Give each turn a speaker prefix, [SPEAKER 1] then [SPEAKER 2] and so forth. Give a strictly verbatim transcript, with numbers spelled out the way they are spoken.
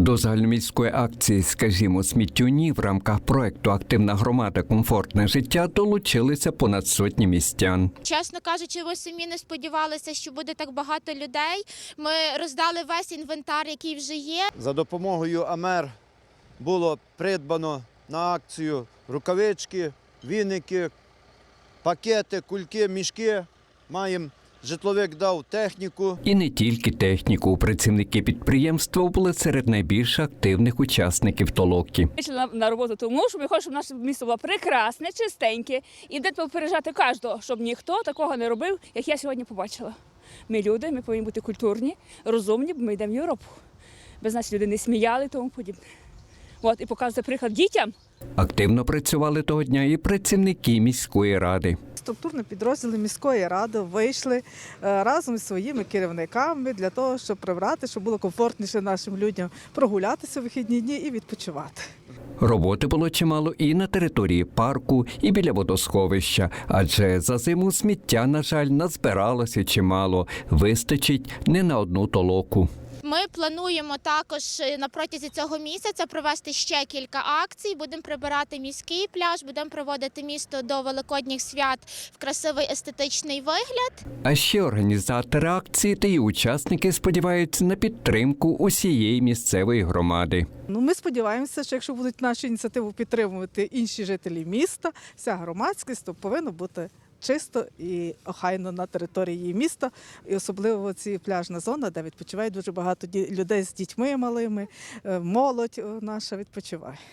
[SPEAKER 1] До загальноміської акції «Скажімо сміттю ні» в рамках проекту «Активна громада. Комфортне життя» долучилися понад сотні містян.
[SPEAKER 2] Чесно кажучи, ми самі не сподівалися, що буде так багато людей. Ми роздали весь інвентар, який вже є.
[SPEAKER 3] За допомогою АМЕР було придбано на акцію рукавички, віники, пакети, кульки, мішки. Маємо, житловик дав техніку.
[SPEAKER 1] І не тільки техніку. Працівники підприємства були серед найбільш активних учасників толоки.
[SPEAKER 4] Вийшли на роботу тому, що ми хочемо, щоб наше місто було прекрасне, чистеньке. І де попереджати кожного, щоб ніхто такого не робив, як я сьогодні побачила. Ми люди, ми повинні бути культурні, розумні, бо ми йдемо в Європу. Без нас люди не сміяли і тому подібне. От, і показувати приклад дітям.
[SPEAKER 1] Активно працювали того дня і працівники міської ради.
[SPEAKER 5] Структурні підрозділи міської ради вийшли разом зі своїми керівниками для того, щоб прибрати, щоб було комфортніше нашим людям прогулятися в вихідні дні і відпочивати.
[SPEAKER 1] Роботи було чимало і на території парку, і біля водосховища, адже за зиму сміття, на жаль, назбиралося чимало. Вистачить не на одну толоку.
[SPEAKER 2] Ми плануємо також на протязі цього місяця провести ще кілька акцій. Будемо прибирати міський пляж, будемо проводити місто до Великодніх свят в красивий естетичний вигляд.
[SPEAKER 1] А ще організатори акції та її учасники сподіваються на підтримку усієї місцевої громади.
[SPEAKER 5] Ну, ми сподіваємося, що якщо будуть нашу ініціативу підтримувати інші жителі міста, вся громадськість, то повинно бути чисто і охайно на території міста, і особливо ці пляжна зона, де відпочиває дуже багато людей з дітьми малими, молодь наша відпочиває.